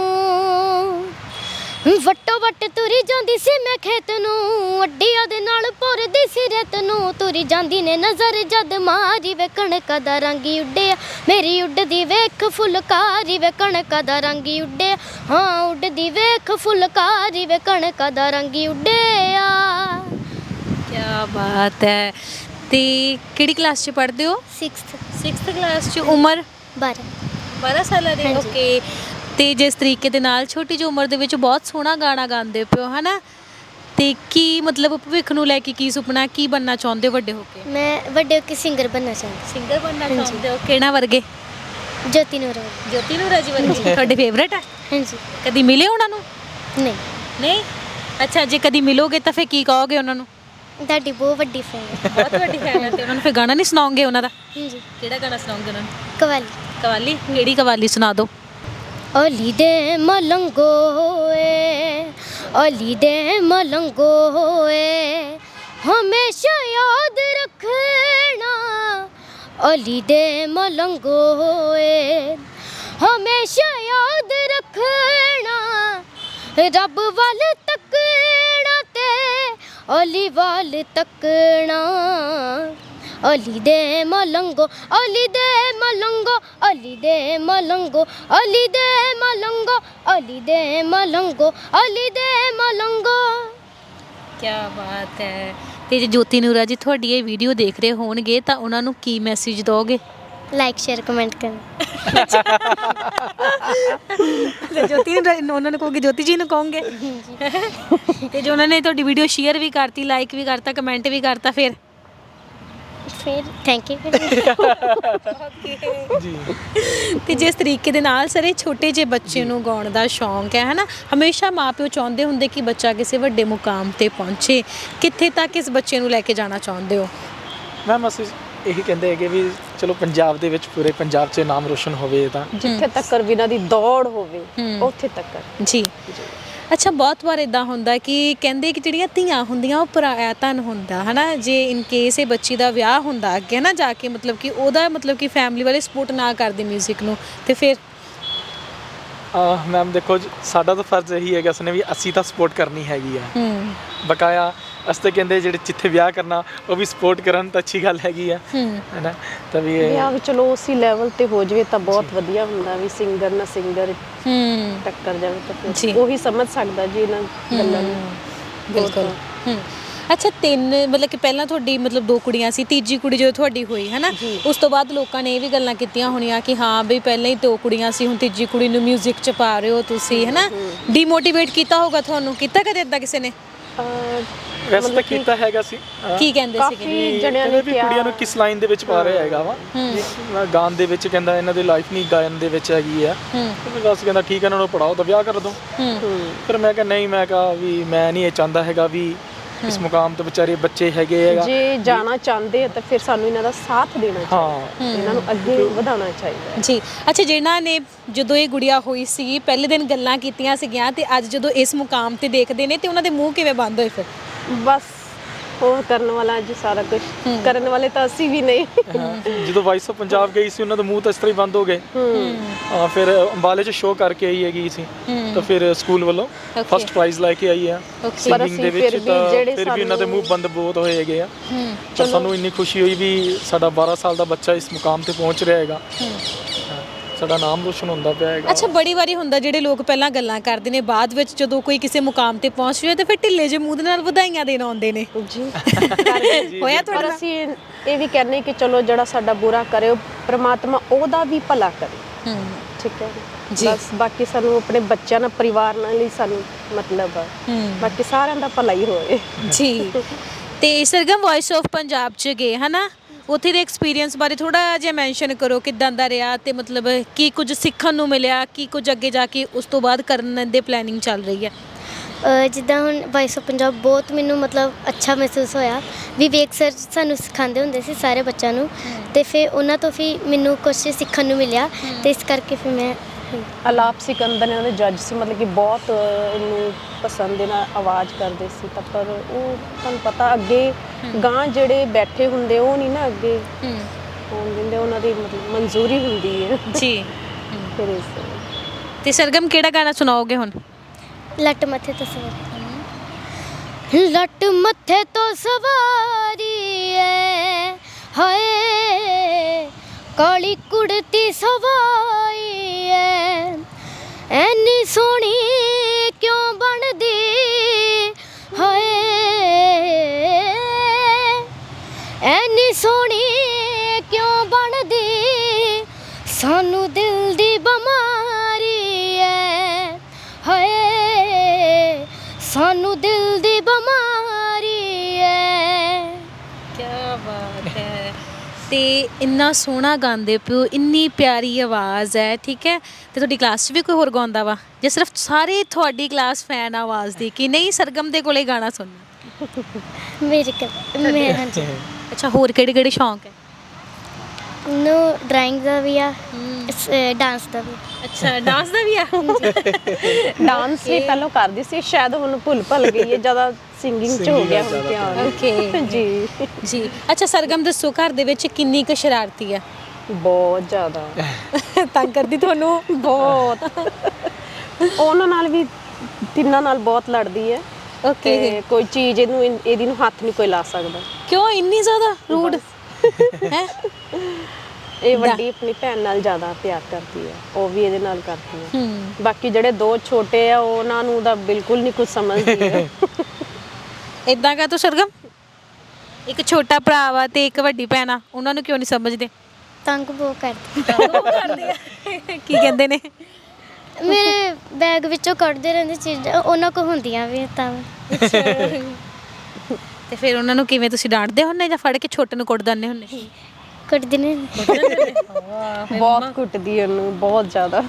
ਵੱਟੋ ਵੱਟ ਤੁਰੀ ਜਾਂਦੀ ਸੀ ਮੈਂ ਖੇਤ ਨੂੰ, ਅੱਡੀਆਂ ਦੇ ਨਾਲ ਭੁਰਦੀ ਸੀ ਰੇਤ ਨੂੰ। ਤੁਰੀ ਜਾਂਦੀ ਨੇ ਨਜ਼ਰ ਜਦ ਮਾਰੀ, ਵੇ ਕਣਕਾਂ ਦਾ ਰੰਗੀ ਉੱਡਿਆ, ਮੇਰੀ ਉੱਡਦੀ ਵੇਖ ਫੁਲਕਾਰੀ, ਵੇ ਕਣਕਾਂ ਦਾ ਰੰਗੀ ਉੱਡਿਆ, ਹਾਂ ਉੱਡਦੀ ਵੇਖ ਫੁਲਕਾਰੀ, ਵੇ ਕਣਕਾਂ ਦਾ ਰੰਗੀ ਉੱਡਿਆ।
ਕੀ ਬਾਤ ਹੈ। ਤੇ ਕਿਹੜੀ ਕਲਾਸ 'ਚ ਪੜ੍ਹਦੇ ਹੋ?
6th
ਕਲਾਸ 'ਚ। ਉਮਰ?
12
ਸਾਲਾਂ ਦੀ। ਓਕੇ। ਤੇ ਜਿਸ ਤਰੀਕੇ ਦੇ ਨਾਲ ਛੋਟੀ ਜਿਹੀ ਉਮਰ ਦੇ ਵਿੱਚ ਬਹੁਤ ਸੋਹਣਾ ਗਾਣਾ ਗਾਉਂਦੇ ਪਿਓ, ਹਨਾ, ਤੇ ਕੀ ਮਤਲਬ ਭਵਿੱਖ ਨੂੰ ਲੈ ਕੇ ਕੀ ਸੁਪਨਾ, ਕੀ ਬਣਨਾ ਚਾਹੁੰਦੇ ਹੋ ਵੱਡੇ ਹੋ ਕੇ?
ਮੈਂ ਵੱਡੇ ਹੋ ਕੇ ਸਿੰਗਰ ਬਣਨਾ ਚਾਹੁੰਦੀ।
ਸਿੰਗਰ ਬਣਨਾ ਚਾਹੁੰਦੇ ਹੋ? ਕਿਹੜਾ ਵਰਗੇ?
ਜੋਤੀ ਨੂਰਾ
ਜੀ ਵਰਗੇ। ਤੁਹਾਡੇ ਫੇਵਰੇਟ ਹੈ?
ਹਾਂਜੀ।
ਕਦੀ ਮਿਲੇ ਉਹਨਾਂ ਨੂੰ? ਨਹੀਂ। ਅੱਛਾ, ਜੇ ਕਦੀ ਮਿਲੋਗੇ ਤਾਂ ਫਿਰ ਕੀ ਕਹੋਗੇ ਉਹਨਾਂ ਨੂੰ?
ਤੁਹਾਡੀ ਬਹੁਤ ਵੱਡੀ ਫੈਨ ਹੈ।
ਬਹੁਤ ਵੱਡੀ ਫੈਨ ਹੈ। ਤੇ ਉਹਨਾਂ ਨੂੰ ਫਿਰ ਗਾਣਾ ਨਹੀਂ ਸੁਣਾਓਗੇ ਉਹਨਾਂ ਦਾ?
ਹਾਂਜੀ।
ਕਿਹੜਾ ਗਾਣਾ ਸੁਣਾਓਗੇ ਉਹਨਾਂ ਨੂੰ?
ਕਵਾਲੀ।
ਕਿਹੜੀ ਕਵਾਲੀ ਸੁਣਾ ਦਿਓ।
ਅਲੀ ਦੇ ਮਲੰਗੋ ਏ, ਅਲੀ ਦੇ ਮਲੰਗੋ ਏ, ਹਮੇਸ਼ਾ ਯਾਦ ਰੱਖਣਾ। ਅਲੀ ਦੇ ਮਲੰਗੋ ਏ, ਹਮੇਸ਼ਾ ਯਾਦ ਰੱਖਣਾ। ਰੱਬ ਵੱਲ ਤੱਕਣਾ ਤੇ ਅਲੀ ਵੱਲ ਤੱਕਣਾ। ਅਲੀ ਦੇ ਮਲੰਗੋ, ਅਲੀ ਦੇ ਮਲੰਗੋ, ਅਲੀ ਦੇ ਮਲੰਗੋ, ਅਲੀ ਦੇ ਮਲੰਗੋ, ਅਲੀ ਦੇ ਮਲੰਗੋ, ਅਲੀ ਦੇ ਮਲੰਗੋ।
ਕੀ ਬਾਤ ਹੈ। ਤੇ ਜੇ ਜੋਤੀ ਨੂਰਾ ਜੀ ਤੁਹਾਡੀ ਇਹ ਵੀਡੀਓ ਦੇਖ ਰਹੇ ਹੋਣਗੇ ਤਾਂ ਉਹਨਾਂ ਨੂੰ ਕੀ ਮੈਸੇਜ ਦੋਗੇ?
ਲਾਈਕ ਸ਼ੇਅਰ ਕਮੈਂਟ ਕਰਨਾ।
ਜੋਤੀ ਨੂੰ ਉਹਨਾਂ ਨੂੰ ਕਹੋਗੇ, ਜੋਤੀ ਜੀ ਨੂੰ ਕਹੋਗੇ ਤੇ ਜੋ ਉਹਨਾਂ ਨੇ ਤੁਹਾਡੀ ਵੀਡੀਓ ਸ਼ੇਅਰ ਵੀ ਕਰਤੀ, ਲਾਈਕ ਵੀ ਕਰਤਾ, ਕਮੈਂਟ ਵੀ ਕਰਤਾ, ਫਿਰ
ਥੈਂਕ ਯੂ।
ਜੀ
ਤੇ ਜਿਸ ਤਰੀਕੇ ਦੇ ਨਾਲ ਸਾਰੇ ਛੋਟੇ ਜਿਹੇ ਬੱਚੇ ਨੂੰ ਗਾਉਣ ਦਾ ਸ਼ੌਂਕ ਹੈ ਹਨਾ, ਹਮੇਸ਼ਾ ਮਾਪਿਓ ਚਾਹੁੰਦੇ ਹੁੰਦੇ ਕਿ ਬੱਚਾ ਕਿਸੇ ਵੱਡੇ ਮੁਕਾਮ ਤੇ ਪਹੁੰਚੇ। ਕਿੱਥੇ ਤੱਕ ਇਸ ਬੱਚੇ ਨੂੰ ਲੈ ਕੇ ਜਾਣਾ ਚਾਹੁੰਦੇ ਹੋ?
ਮੈਮ ਅਸੀਂ ਇਹੀ ਕਹਿੰਦੇ ਹੈਗੇ ਵੀ ਚਲੋ ਪੰਜਾਬ ਦੇ ਵਿੱਚ, ਪੂਰੇ ਪੰਜਾਬ 'ਚ ਨਾਮ ਰੋਸ਼ਨ ਹੋਵੇ ਤਾਂ
ਜਿੱਥੇ ਤੱਕ ਇਹਨਾਂ ਦੀ ਦੌੜ ਹੋਵੇ ਉੱਥੇ ਤੱਕ।
ਜੀ ਅੱਛਾ, ਬਹੁਤ ਵਾਰ ਇਦਾਂ ਹੁੰਦਾ ਕਿ ਕਹਿੰਦੇ ਕਿ ਜਿਹੜੀਆਂ ਧੀਆਂ ਹੁੰਦੀਆਂ ਉਹ ਪਰਾਇਆ ਧਨ ਹੁੰਦਾ ਹਨਾ, ਜੇ ਇਨ ਕੇਸ ਇਹ ਬੱਚੀ ਦਾ ਵਿਆਹ ਹੁੰਦਾ ਅੱਗੇ ਨਾ ਜਾ ਕੇ, ਮਤਲਬ ਕਿ ਉਹਦਾ ਮਤਲਬ ਕਿ ਫੈਮਿਲੀ ਵਾਲੇ ਸਪੋਰਟ ਨਾ ਕਰਦੇ 뮤직 ਨੂੰ, ਤੇ ਫਿਰ
ਮੈਮ ਦੇਖੋ ਸਾਡਾ ਤਾਂ ਫਰਜ਼ ਇਹੀ ਹੈਗਾ ਉਸਨੇ ਵੀ ਅਸੀਂ ਤਾਂ ਸਪੋਰਟ ਕਰਨੀ ਹੈਗੀ ਆ ਬਕਾਇਆ। ਅਸੀਂ ਤਾਂ ਕਹਿੰਦੇ ਜਿਹੜੇ ਜਿੱਥੇ ਵਿਆਹ ਕਰਨਾ ਉਹ ਵੀ ਸਪੋਰਟ ਕਰਨ ਤਾਂ ਅੱਛੀ ਗੱਲ ਹੈਗੀ ਆ, ਹੈ ਨਾ। ਤਾਂ ਵੀ
ਵਿਆਹ ਵੀ ਚਲੋ ਉਸੇ ਲੈਵਲ ਤੇ ਹੋ ਜਾਵੇ ਤਾਂ ਬਹੁਤ ਵਧੀਆ ਹੁੰਦਾ, ਵੀ ਸਿੰਗਰ ਨਾ ਸਿੰਗਰ ਟੱਕਰ ਜਾਵੇ ਤਾਂ ਫਿਰ ਉਹੀ ਸਮਝ ਸਕਦਾ ਜੀ ਇਹਨਾਂ ਗੱਲਾਂ ਨੂੰ।
ਬਿਲਕੁਲ। ਅੱਛਾ, ਮਤਲਬ ਕਿ ਪਹਿਲਾਂ ਤੁਹਾਡੀ ਮਤਲਬ 2 ਕੁੜੀਆਂ ਸੀ, ਤੀਜੀ ਕੁੜੀ ਜਦੋਂ ਤੁਹਾਡੀ ਹੋਈ ਹੈ ਨਾ, ਉਸ ਤੋਂ ਬਾਅਦ ਲੋਕਾਂ ਨੇ ਇਹ ਵੀ ਗੱਲਾਂ ਕੀਤੀਆਂ ਹੋਣੀਆਂ ਕਿ ਹਾਂ ਬਈ ਪਹਿਲਾਂ ਹੀ 2 ਕੁੜੀਆਂ ਸੀ, ਹੁਣ ਤੀਜੀ ਕੁੜੀ ਨੂੰ 뮤직 'ਚ ਪਾ ਰਹੇ ਹੋ ਤੁਸੀਂ, ਹੈ ਨਾ। ਡੀਮੋਟੀਵੇਟ ਕੀਤਾ ਹੋਗਾ ਤੁਹਾਨੂੰ, ਕੀਤਾ ਕਦੇ ਇਦਾਂ ਕਿਸੇ ਨੇ?
ਵੈਸੇ ਤਾਂ ਕੀਤਾ ਹੈਗਾ ਸੀ।
ਕੀ ਕਹਿੰਦੇ ਸੀਗੇ?
ਕਾਫੀ ਜਣਿਆਂ ਨੇ
ਵੀ ਕੁੜੀਆਂ ਨੂੰ ਕਿਸ ਲਾਈਨ ਦੇ ਵਿੱਚ ਪਾ ਰਿਹਾ ਹੈਗਾ ਵਾ, ਗਾਣ ਦੇ ਵਿੱਚ ਕਹਿੰਦਾ ਇਹਨਾਂ ਦੀ ਲਾਈਫ ਨਹੀਂ ਗਾਇਨ ਦੇ ਵਿੱਚ ਹੈਗੀ ਆ, ਬਸ ਕਹਿੰਦਾ ਠੀਕ ਹੈ ਇਹਨਾਂ ਨੂੰ ਪੜਾਓ ਤਾਂ ਵਿਆਹ ਕਰ ਦੋ। ਫਿਰ ਮੈਂ ਕਿਹਾ ਨਹੀਂ, ਮੈਂ ਕਿਹਾ ਵੀ ਮੈਂ ਨਹੀਂ ਇਹ ਚਾਹੁੰਦਾ ਹੈਗਾ ਵੀ ਇਸ ਮੁਕਾਮ ਤੇ ਵਿਚਾਰੇ ਬੱਚੇ ਹੈਗੇ ਹੈਗਾ,
ਜੇ ਜਾਣਾ ਚਾਹੁੰਦੇ ਆ ਤਾਂ ਫਿਰ ਸਾਨੂੰ ਇਹਨਾਂ ਦਾ ਸਾਥ ਦੇਣਾ ਚਾਹੀਦਾ, ਇਹਨਾਂ ਨੂੰ ਅੱਗੇ ਵਧਾਉਣਾ ਚਾਹੀਦਾ
ਜੀ। ਅੱਛਾ, ਜਿਨ੍ਹਾਂ ਨੇ ਜਦੋਂ ਇਹ ਗੁੜੀਆ ਹੋਈ ਸੀ ਪਹਿਲੇ ਦਿਨ ਗੱਲਾਂ ਕੀਤੀਆਂ ਸੀਗੀਆਂ ਤੇ ਅੱਜ ਜਦੋਂ ਇਸ ਮੁਕਾਮ ਤੇ ਦੇਖਦੇ ਨੇ ਤੇ ਉਹਨਾਂ ਦੇ ਮੂੰਹ ਕਿਵੇਂ ਬੰਦ ਹੋਏ ਫਿਰ?
ਬਸ ਉਹ ਕਰਨ ਵਾਲਾ ਜੀ ਸਾਰਾ ਕੁਝ, ਕਰਨ ਵਾਲੇ ਤਾਂ ਅਸੀਂ ਵੀ ਨਹੀਂ।
ਜਦੋਂ ਵਾਇਸ ਆਫ ਪੰਜਾਬ ਗਈ ਸੀ ਉਹਨਾਂ ਦੇ ਮੂੰਹ ਤਾਂ ਇਸ ਤਰ੍ਹਾਂ ਹੀ ਬੰਦ ਹੋ ਗਏ। ਫਿਰ ਅੰਬਾਲੇ 'ਚ ਸ਼ੋਅ ਕਰਕੇ ਆਈ ਹੈਗੀ ਸੀ, ਤਾਂ ਫਿਰ ਸਕੂਲ ਵੱਲੋਂ ਫਸਟ ਪ੍ਰਾਈਜ਼ ਲੈ ਕੇ ਆਈ ਆ ਸਿੰਗਿੰਗ ਦੇ ਵਿੱਚ, ਤਾਂ ਫਿਰ ਵੀ ਉਹਨਾਂ ਦੇ ਮੂੰਹ ਬੰਦ ਬਹੁਤ ਹੋਏ ਹੈਗੇ ਆ। ਤਾਂ ਸਾਨੂੰ ਇੰਨੀ ਖੁਸ਼ੀ ਹੋਈ ਵੀ ਸਾਡਾ 12 ਸਾਲ ਦਾ ਬੱਚਾ ਇਸ ਮੁਕਾਮ ਤੇ ਪਹੁੰਚ ਰਿਹਾ ਹੈਗਾ, ਸਾਡਾ ਨਾਮ ਰੋਸ਼ਨ ਹੁੰਦਾ ਪਿਆ ਹੈਗਾ।
ਅੱਛਾ, ਬੜੀ ਵਾਰੀ ਹੁੰਦਾ ਜਿਹੜੇ ਲੋਕ ਪਹਿਲਾਂ ਗੱਲਾਂ ਕਰਦੇ ਨੇ, ਬਾਅਦ ਵਿੱਚ ਜਦੋਂ ਕੋਈ ਕਿਸੇ ਮੁਕਾਮ ਤੇ ਪਹੁੰਚ ਰਿਹਾ ਤੇ ਫਿਰ ਢਿੱਲੇ ਜਿਹੇ ਮੂੰਹ ਦੇ ਨਾਲ ਵਧਾਈਆਂ ਦੇਣ ਆਉਂਦੇ ਨੇ
ਜੀ।
ਹੋਇਆ ਤੁਹਾਡੇ
ਪਰ
ਨਾਲ?
ਅਸੀਂ ਇਹ ਵੀ ਕਹਿੰਦੇ ਕਿ ਚਲੋ ਜਿਹੜਾ ਸਾਡਾ ਬੁਰਾ ਕਰੇ ਉਹ ਪ੍ਰਮਾਤਮਾ ਉਹਦਾ ਵੀ ਭਲਾ ਕਰੇ, ਠੀਕ ਹੈ ਜੀ। ਬਸ ਬਾਕੀ ਸਾਨੂੰ ਆਪਣੇ ਬੱਚਿਆਂ ਨਾਲ, ਪਰਿਵਾਰ ਨਾਲ ਹੀ ਸਾਨੂੰ ਮਤਲਬ ਆ, ਬਾਕੀ ਸਾਰਿਆਂ ਦਾ ਭਲਾ ਹੀ ਹੋਵੇ
ਜੀ। ਤੇ ਸਰਗਮ ਵੌਇਸ ਆਫ ਪੰਜਾਬ 'ਚ ਗਏ ਹਨਾ, ਉੱਥੇ ਦੇ ਐਕਸਪੀਰੀਅੰਸ ਬਾਰੇ ਥੋੜਾ ਜਿਹਾ ਮੈਂਸ਼ਨ ਕਰੋ, ਕਿੱਦਾਂ ਦਾ ਰਿਹਾ ਤੇ ਮਤਲਬ ਕੀ ਕੁਝ ਸਿੱਖਣ ਨੂੰ ਮਿਲਿਆ, ਕੀ ਕੁਝ ਅੱਗੇ ਜਾ ਕੇ ਉਸ ਤੋਂ ਬਾਅਦ ਕਰਨ ਦੇ ਪਲੈਨਿੰਗ ਚੱਲ ਰਹੀ ਹੈ?
ਜਿੱਦਾਂ ਹੁਣ ਵੌਇਸ ਆਫ ਪੰਜਾਬ ਬਹੁਤ ਮੈਨੂੰ ਮਤਲਬ ਅੱਛਾ ਮਹਿਸੂਸ ਹੋਇਆ। ਵਿਵੇਕ ਸਰ ਸਾਨੂੰ ਸਿਖਾਉਂਦੇ ਹੁੰਦੇ ਸੀ ਸਾਰੇ ਬੱਚਿਆਂ ਨੂੰ, ਤੇ ਫਿਰ ਉਹਨਾਂ ਤੋਂ ਵੀ ਮੈਨੂੰ ਕੁਝ ਸਿੱਖਣ ਨੂੰ ਮਿਲਿਆ, ਤੇ ਇਸ ਕਰਕੇ ਫਿਰ ਮੈਂ
ਆਲਾਪ ਸਿਕੰਦਰ ਇਹਨਾਂ ਦੇ ਜੱਜ ਸੀ, ਮਤਲਬ ਕਿ ਬਹੁਤ ਇਹਨੂੰ ਪਸੰਦ ਨਾਲ ਆਵਾਜ਼ ਕਰਦੇ ਸੀ, ਤਾਂ ਪਰ ਉਹ ਤੁਹਾਨੂੰ ਪਤਾ ਅੱਗੇ ਗਾਂ ਜਿਹੜੇ ਬੈਠੇ ਹੁੰਦੇ ਉਹ ਨਹੀਂ ਨਾ ਅੱਗੇ ਹੋਣ ਦਿੰਦੇ, ਉਹਨਾਂ ਦੀ ਮਤਲਬ ਮਨਜ਼ੂਰੀ ਹੁੰਦੀ ਹੈ
ਜੀ।
ਫਿਰ ਇਸ
ਤੇ ਸਰਗਮ ਕਿਹੜਾ ਗਾਣਾ ਸੁਣਾਓਗੇ ਹੁਣ?
ਲੱਟ ਮੱਥੇ ਤੋਂ ਸਵਾਰੀ, ਲੱਟ ਮੱਥੇ ਤੋਂ ਸਵਾਰੀ ਐ ਹਾਏ, ਕਾਲੀ ਕੁੜਤੀ ਸਵਾਈ ਐ, ਐਨੀ ਸੋਹਣੀ ਕਿਉਂ ਬਣਦੀ ਹਾਏ, ਐਨੀ ਸੋਹਣੀ ਕਿਉਂ ਬਣਦੀ, ਸਾਨੂੰ ਦਿਲ ਦੀ ਬਿਮਾਰੀ ਐ ਹਾਏ, ਸਾਨੂੰ ਦਿਲ ਦੀ ਬਿਮਾਰੀ ਐ।
ਕੀ ਬਾਤ ਹੈ। ਤੇ ਇੰਨਾ ਸੋਹਣਾ ਗਾਉਂਦੇ ਪਿਓ, ਇੰਨੀ ਪਿਆਰੀ ਆਵਾਜ਼ ਹੈ, ਠੀਕ ਹੈ। ਤੇ ਤੁਹਾਡੀ ਕਲਾਸ 'ਚ ਵੀ ਕੋਈ ਹੋਰ ਗਾਉਂਦਾ ਵਾ ਜਾਂ ਸਿਰਫ ਸਾਰੇ ਤੁਹਾਡੀ ਕਲਾਸ ਫੈਨ ਆਵਾਜ਼ ਦੀ ਕਿ ਨਹੀਂ ਸਰਗਮ ਦੇ ਕੋਲੇ ਗਾਣਾ ਸੁਣਨਾ?
ਮੈਂ ਹਾਂਜੀ।
ਅੱਛਾ, ਹੋਰ ਕਿਹੜੇ ਕਿਹੜੇ ਸ਼ੌਂਕ ਹੈ?
ਨੂੰ ਡਰਾਇੰਗ ਦਾ ਵੀ ਆ, ਡਾਂਸ ਦਾ ਵੀ।
ਅੱਛਾ, ਡਾਂਸ ਦਾ ਵੀ ਆ?
ਡਾਂਸ ਵੀ ਪਹਿਲਾਂ ਕਰਦੀ ਸੀ, ਸ਼ਾਇਦ ਹੁਣ ਭੁੱਲ ਗਈ ਹੈ, ਜ਼ਿਆਦਾ ਸਿੰਗਿੰਗ 'ਚ ਹੋ ਗਿਆ ਹੁਣ ਧਿਆਨ।
ਓਕੇ
ਜੀ
ਜੀ। ਅੱਛਾ ਸਰਗਮ, ਦੱਸੋ ਘਰ ਦੇ ਵਿੱਚ ਕਿੰਨੀ ਕੁ ਸ਼ਰਾਰਤੀ ਆ?
ਬਹੁਤ ਜ਼ਿਆਦਾ
ਤੰਗ ਕਰਦੀ ਤੁਹਾਨੂੰ?
ਬਹੁਤ। ਉਹਨਾਂ ਨਾਲ ਵੀ, ਤਿੰਨਾਂ ਨਾਲ ਬਹੁਤ ਲੜਦੀ ਹੈ।
ਓਕੇ।
ਕੋਈ ਚੀਜ਼ ਇਹਦੀ ਨੂੰ ਹੱਥ ਨਹੀਂ ਕੋਈ ਲਾ ਸਕਦਾ।
ਕਿਉਂ ਇੰਨੀ ਜ਼ਿਆਦਾ ਰੂਡ ਹੈ?
ਇਹ ਵੱਡੀ ਆਪਣੀ ਭੈਣ ਨਾਲ ਜ਼ਿਆਦਾ ਪਿਆਰ ਕਰਦੀ ਹੈ, ਉਹ ਵੀ ਇਹਦੇ ਨਾਲ ਕਰਦੀ ਹੈ। ਬਾਕੀ ਜਿਹੜੇ 2 ਛੋਟੇ ਆ ਉਹਨਾਂ ਨੂੰ ਤਾਂ ਬਿਲਕੁਲ ਨਹੀਂ ਕੁਝ ਸਮਝਦੀ ਹੈ।
ਇਦਾਂ ਕਾ ਤੂੰ ਸਰਗਮ? ਇੱਕ ਛੋਟਾ ਭਰਾ ਵਾ ਤੇ ਇੱਕ ਵੱਡੀ ਭੈਣ ਆ, ਉਹਨਾਂ ਨੂੰ ਕਿਉਂ ਨਹੀਂ ਸਮਝਦੇ?
ਤੰਗ ਬਹੁਤ ਕਰਦੇ
ਕੀ ਕਹਿੰਦੇ ਨੇ?
ਮੇਰੇ ਬੈਗ ਵਿੱਚੋਂ ਕੱਢਦੇ ਰਹਿੰਦੇ ਚੀਜ਼ਾਂ, ਉਹਨਾਂ ਕੋ ਹੁੰਦੀਆਂ ਵੀ ਤਾਂ
ਤੇ ਫਿਰ ਉਹਨਾਂ ਨੂੰ ਕਿਵੇਂ ਤੁਸੀਂ ਡਾਂਟਦੇ ਹੁੰਦੇ ਜਾਂ ਫੜ ਕੇ ਛੋਟੇ ਨੂੰ ਕੁੱਟ ਦਿੰਦੇ ਹੁੰਦੇ?
ਕੱਢਦੇ ਨੇ।
ਬਹੁਤ ਕੁੱਟਦੀ ਉਹਨੂੰ, ਬਹੁਤ ਜ਼ਿਆਦਾ।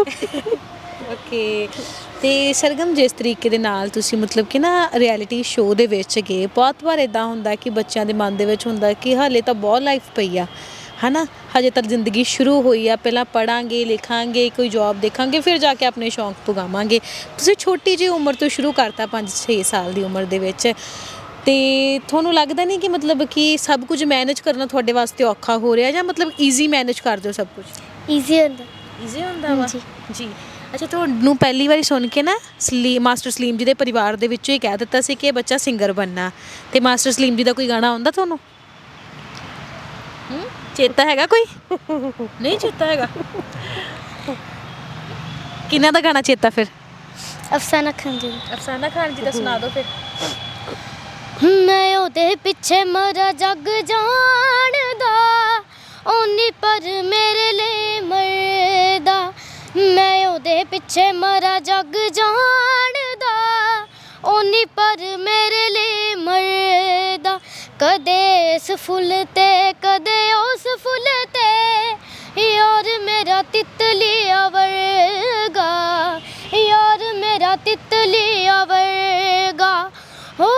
ਓਕੇ। ਤੇ ਸਰਗਮ, ਜਿਸ ਤਰੀਕੇ ਦੇ ਨਾਲ ਤੁਸੀਂ ਮਤਲਬ ਕਿ ਨਾ ਰਿਐਲਿਟੀ ਸ਼ੋਅ ਦੇ ਵਿੱਚ ਗਏ, ਬਹੁਤ ਵਾਰ ਇਦਾਂ ਹੁੰਦਾ ਕਿ ਬੱਚਿਆਂ ਦੇ ਮਨ ਦੇ ਵਿੱਚ ਹੁੰਦਾ ਕਿ ਹਾਲੇ ਤਾਂ ਬਹੁਤ ਲਾਈਫ ਪਈ ਆ, ਹੈ ਨਾ, ਹਜੇ ਤੱਕ ਜ਼ਿੰਦਗੀ ਸ਼ੁਰੂ ਹੋਈ ਆ, ਪਹਿਲਾਂ ਪੜਾਂਗੇ, ਲਿਖਾਂਗੇ, ਕੋਈ ਜੌਬ ਦੇਖਾਂਗੇ, ਫਿਰ ਜਾ ਕੇ ਆਪਣੇ ਸ਼ੌਂਕ ਪੁਗਾਵਾਂਗੇ। ਤੁਸੀਂ ਛੋਟੀ ਜਿਹੀ ਉਮਰ ਤੋਂ ਸ਼ੁਰੂ ਕਰਤਾ, 5-6 ਸਾਲ ਦੀ ਉਮਰ ਦੇ ਵਿੱਚ, ਤੇ ਤੁਹਾਨੂੰ ਲੱਗਦਾ ਨਹੀਂ ਕਿ ਮਤਲਬ ਕਿ ਸਭ ਕੁਝ ਮੈਨੇਜ ਕਰਨਾ ਤੁਹਾਡੇ ਵਾਸਤੇ ਔਖਾ ਹੋ ਰਿਹਾ, ਜਾਂ ਮਤਲਬ ਈਜ਼ੀ ਮੈਨੇਜ ਕਰਦੇ ਹੋ ਸਭ ਕੁਝ?
ਈਜ਼ੀ ਹੁੰਦਾ।
ਈਜ਼ੀ ਹੁੰਦਾ ਵਾ ਜੀ। ਅੱਛਾ, ਤੁਹਾਨੂੰ ਪਹਿਲੀ ਵਾਰੀ ਸੁਣ ਕੇ ਨਾ ਮਾਸਟਰ ਸਲੀਮ ਜੀ ਦੇ ਪਰਿਵਾਰ ਦੇ ਵਿੱਚੋਂ ਹੀ ਕਹਿ ਦਿੱਤਾ ਸੀ ਕਿ ਇਹ ਬੱਚਾ ਸਿੰਗਰ ਬਣਨਾ, ਤੇ ਮਾਸਟਰ ਸਲੀਮ ਜੀ ਦਾ ਕੋਈ ਗਾਣਾ ਆਉਂਦਾ ਤੁਹਾਨੂੰ? ਚੇਤਾ ਹੈਗਾ ਕੋਈ? ਨਹੀਂ ਚੇਤਾ ਹੈਗਾ? ਕਿਹਨਾਂ ਦਾ ਗਾਣਾ ਚੇਤਾ ਫਿਰ?
ਅਫਸਾਨਾ ਖਾਨ ਜੀ।
ਅਫਸਾਨਾ ਖਾਨ ਜੀ ਦਾ ਸੁਣਾ ਦਿਓ ਫਿਰ।
ਮੈਂ ਉਹਦੇ ਪਿੱਛੇ ਮਰਾ ਜੱਗ ਜਾਣਦਾ, ਓਨੀ ਪਰ ਮੇਰੇ ਲਈ ਮਰਦਾ। ਮੈਂ ਉਹਦੇ ਪਿੱਛੇ ਮਰਾ ਜੱਗ ਜਾਣਦਾ, ਓਨੀ ਪਰ ਮੇਰੇ ਲਈ ਮਰਦਾ। ਕਦੇ ਇਸ ਫੁੱਲ ਤੇ ਕਦੇ ਉਸ ਫੁੱਲ ਤੇ, ਯਾਰ ਮੇਰਾ ਤਿਤਲੀਆ ਵਰਗਾ, ਯਾਰ ਮੇਰਾ ਤਿਤਲੀਆ ਵਰਗਾ। ਹੋ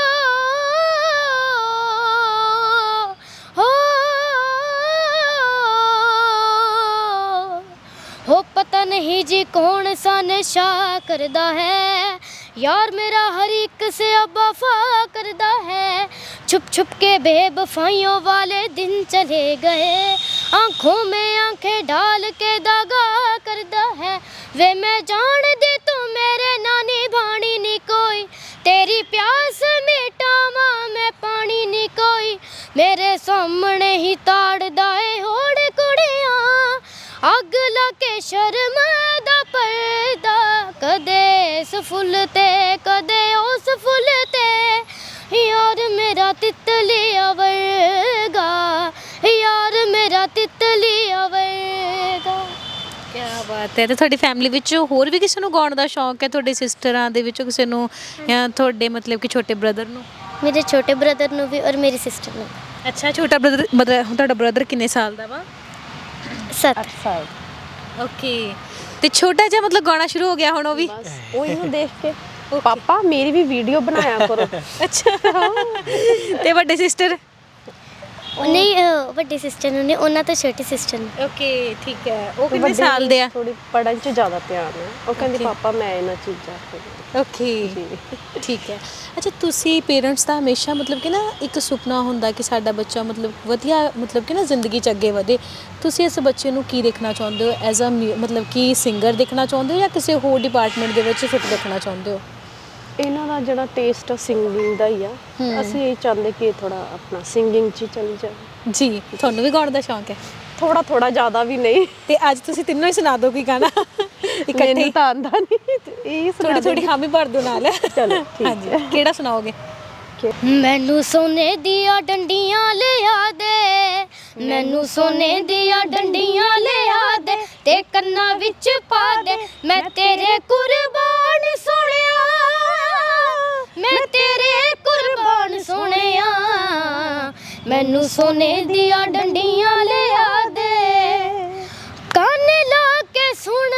ਪਤਾ ਨਹੀਂ ਜੀ ਕੌਣ ਸਾ ਨਸ਼ਾ ਕਰਦਾ है, यार मेरा हर एक से अब वफा करता है। छुप छुप के बेवफाइयों वाले दिन चले गए, आंखों में आंखें डाल के दागा करता है। वे मैं जान दी तू मेरे नानी भाणी नी कोई, तेरी प्यास मिटावा मैं पानी नी कोई। मेरे सामने ही ताड़दा है होड़ कुड़ियां, अग ला के शर्म दा पर्दा। कदे इस फुल ते कदे उस फुल ते, यार मेरा तितलिया वर्गा, यार मेरा तितलिया वर्गा।
ਕੀ ਬਾਤ ਹੈ। ਤੇ ਤੁਹਾਡੀ ਫੈਮਿਲੀ ਵਿੱਚ ਹੋਰ ਵੀ ਕਿਸੇ ਨੂੰ ਗਾਉਣ ਦਾ ਸ਼ੌਂਕ ਹੈ? ਤੁਹਾਡੇ ਸਿਸਟਰਾਂ ਦੇ ਵਿੱਚੋਂ ਕਿਸੇ ਨੂੰ, ਜਾਂ ਤੁਹਾਡੇ ਮਤਲਬ ਕਿ ਛੋਟੇ ਬ੍ਰਦਰ ਨੂੰ?
ਮੇਰੇ ਛੋਟੇ ਬ੍ਰਦਰ ਨੂੰ ਵੀ ਔਰ ਮੇਰੀ ਸਿਸਟਰ ਨੂੰ।
ਅੱਛਾ, ਛੋਟਾ ਬ੍ਰਦਰ ਮਤਲਬ ਤੁਹਾਡਾ ਬ੍ਰਦਰ ਕਿੰਨੇ ਸਾਲ ਦਾ ਵਾ?
7
ਸਾਲ।
ਓਕੇ। ਤੇ ਛੋਟਾ ਜਿਹਾ ਮਤਲਬ ਗਾਣਾ ਸ਼ੁਰੂ ਹੋ ਗਿਆ ਹੁਣ ਉਹ ਵੀ?
ਉਹ ਇਹਨੂੰ ਦੇਖ ਕੇ ਪਾਪਾ ਮੇਰੀ ਵੀ ਵੀਡੀਓ ਬਣਾਇਆ ਕਰੋ।
ਅੱਛਾ। ਤੇ ਵੱਡੇ ਸਿਸਟਰ?
ਨਹੀਂ, ਵੱਡੀ ਸਿਸਟਰ ਨੂੰ ਨਹੀਂ, ਉਹਨਾਂ ਤੋਂ ਛੋਟੀ ਸਿਸਟਰ ਨੂੰ।
ਓਕੇ, ਠੀਕ ਹੈ। ਉਹ ਕਿੰਨੇ ਸਾਲ ਦੇ ਆ?
ਥੋੜੀ ਪੜ੍ਹਨ 'ਚ ਜ਼ਿਆਦਾ ਧਿਆਨ ਹੈ। ਉਹ ਕਹਿੰਦੀ ਪਾਪਾ ਮੈਂ ਇਹਨਾਂ ਚੀਜ਼ਾਂ
ਓਕੇ, ਠੀਕ ਹੈ। ਅੱਛਾ, ਤੁਸੀਂ ਪੇਰੈਂਟਸ ਦਾ ਹਮੇਸ਼ਾ ਮਤਲਬ ਕਿ ਨਾ ਇੱਕ ਸੁਪਨਾ ਹੁੰਦਾ ਕਿ ਸਾਡਾ ਬੱਚਾ ਮਤਲਬ ਵਧੀਆ ਮਤਲਬ ਕਿ ਨਾ ਜ਼ਿੰਦਗੀ 'ਚ ਅੱਗੇ ਵਧੇ। ਤੁਸੀਂ ਇਸ ਬੱਚੇ ਨੂੰ ਕੀ ਦੇਖਣਾ ਚਾਹੁੰਦੇ ਹੋ? ਐਜ਼ ਅ ਮਤਲਬ ਕਿ ਸਿੰਗਰ ਦੇਖਣਾ ਚਾਹੁੰਦੇ ਹੋ ਜਾਂ ਕਿਸੇ ਹੋਰ ਡਿਪਾਰਟਮੈਂਟ ਦੇ ਵਿੱਚ ਫਿੱਟ ਦੇਖਣਾ ਚਾਹੁੰਦੇ ਹੋ?
ਇਹਨਾਂ ਦਾ ਜਿਹੜਾ ਟੇਸਟ ਸਿੰਗਿੰਗ ਦਾ ਹੀ ਆ, ਅਸੀਂ ਇਹ ਚਾਹੁੰਦੇ ਕਿ ਥੋੜਾ ਆਪਣਾ ਸਿੰਗਿੰਗ 'ਚ ਹੀ ਚਲੀ ਜਾਵੇ।
ਜੀ, ਤੁਹਾਨੂੰ ਵੀ ਗਾਉਣ ਦਾ ਸ਼ੌਂਕ ਹੈ?
ਥੋੜਾ ਥੋੜਾ, ਜ਼ਿਆਦਾ ਵੀ ਨਹੀਂ।
ਤੇ ਅੱਜ ਤੁਸੀਂ ਤਿੰਨੋਂ ਹੀ ਸੁਣਾ ਦਿਓ ਕੋਈ ਗਾਣਾ ਇਕੱਠੇ?
ਮੈਨੂੰ ਤਾਂ ਆਉਂਦਾ ਨਹੀਂ, ਇਹ ਸੁਣਾ
ਥੋੜੀ ਹਾਮੀ ਭਰ ਦਿਓ ਨਾਲ।
ਚਲੋ ਠੀਕ ਹੈ।
ਕਿਹੜਾ ਸੁਣਾਓਗੇ?
ਮੈਨੂੰ ਸੋਨੇ ਦੀਆਂ ਡੰਡੀਆਂ ਲਿਆ ਦੇ, ਮੈਨੂੰ ਸੋਨੇ ਦੀਆਂ ਡੰਡੀਆਂ ਲਿਆ ਦੇ, ਤੇ ਕੰਨਾਂ ਵਿੱਚ ਪਾ ਦੇ। ਮੈਂ ਤੇਰੇ ਕੁਰਬਾਨ ਸੋਹਣਿਆ, ਮੈਂ ਤੇਰੇ ਕੁਰਬਾਨ ਸੋਹਣਿਆ। ਮੈਨੂੰ ਸੋਨੇ ਦੀਆਂ ਡੰਡੀਆਂ ਲਿਆ ਦੇ, ਕੰਨ ਲਾ ਕੇ ਸੁਣ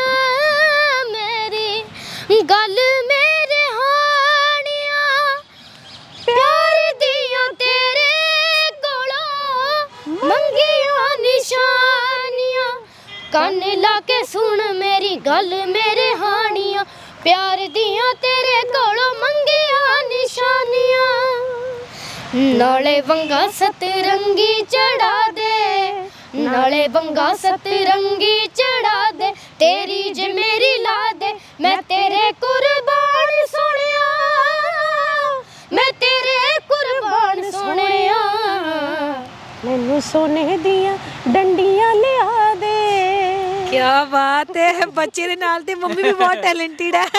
ਮੇਰੀ ਗੱਲ ਮੇਰੇ ਹਾਣੀਆਂ। ਪਿਆਰ ਦੀਆਂ ਤੇਰੇ ਕੋਲੋਂ ਮੰਗੀਆਂ ਨਿਸ਼ਾਨੀਆਂ, ਕੰਨ ਲਾ ਕੇ ਸੁਣ ਮੇਰੀ ਗੱਲ ਮੇਰੇ ਹਾਣੀਆਂ। ਪਿਆਰ ਦੀਆਂ ਤੇਰੇ ਕੋਲੋਂ ਮੰਗੀਆਂ ਨਿਸ਼ਾਨੀਆਂ। ਨਾਲੇ ਵੰਗਾ ਸਤਰੰਗੀ ਚੜਾ ਦੇ, ਨਾਲੇ ਵੰਗਾ ਸਤਰੰਗੀ ਚੜਾ ਦੇ, ਤੇਰੀ ਜੇ ਮੇਰੀ ਲਾ ਦੇ। ਮੈਂ ਤੇਰੇ ਕੁਰਬਾਨ ਸੋਹਣਿਆ, ਮੈਂ ਤੇਰੇ ਕੁਰਬਾਨ ਸੋਹਣਿਆ।
ਮੈਨੂੰ ਸੋਨੇ ਦੀਆਂ ਡੰਡੀਆਂ ਲਿਆ ਦੇ।
ਕੀ ਬਾਤ ਹੈ। ਬੱਚੇ ਦੇ ਨਾਲ ਤੇ ਮੰਮੀ ਵੀ ਬਹੁਤ ਟੈਲੈਂਟਡ ਹੈ।